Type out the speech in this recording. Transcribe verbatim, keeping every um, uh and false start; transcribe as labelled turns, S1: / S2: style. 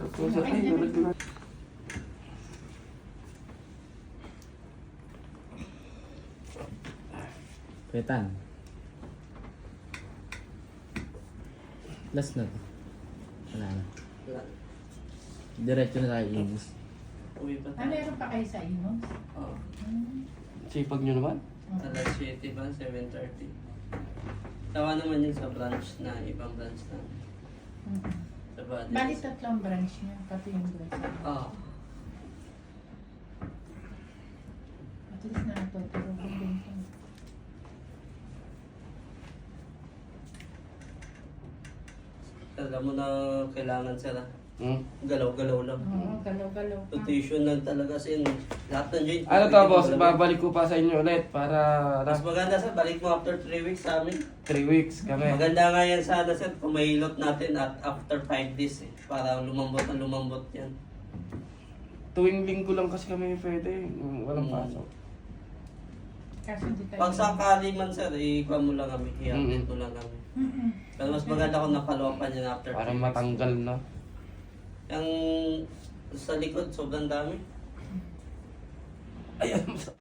S1: Puso, ay, nalaglag.
S2: Petan. Last na to. Wala na.
S3: Wala.
S2: Diretso na tayo inis.
S3: Uwi pa
S4: Ah,
S3: tayo.
S4: meron pa kayo sa inos?
S3: Oo.
S4: Hmm.
S1: Sipag nyo naman.
S3: Alas siyete ba? seven thirty. Tawa naman yun sa branch na, ibang branch na.
S4: Mm.
S3: Sa Bali.
S4: Bali tatlong branch niya, pati yung branch.
S3: Oo.
S4: At least natuturo ko din ito.
S3: Alam mo na kailangan sila.
S1: Hmm?
S3: Galaw-galaw lang.
S4: Oo, galaw-galaw ka.
S3: Rotation lang talaga sin. Lahat ng joint.
S1: Ano to, boss? Babalik ko pa sa inyo ulit para
S3: Mas maganda sa balik mo after three weeks sa amin.
S1: three weeks kami.
S3: Maganda nga yan sana sir kung may hilot natin at after five days eh. Para lumambot na lumambot yan.
S1: Tuwing linggo lang kasi kami pwede. mm, Walang
S3: Mm.
S1: pasok.
S4: Kasi di tayo.
S3: Pag sakali man sir, ikuha mo lang kami. I-update mo lang kami.
S4: Mm-mm.
S3: Pero mas maganda kung napalopan yan after
S1: Para
S3: three weeks.
S1: matanggal na.
S3: Yung sa likod, sobrang dami.
S1: Ayan.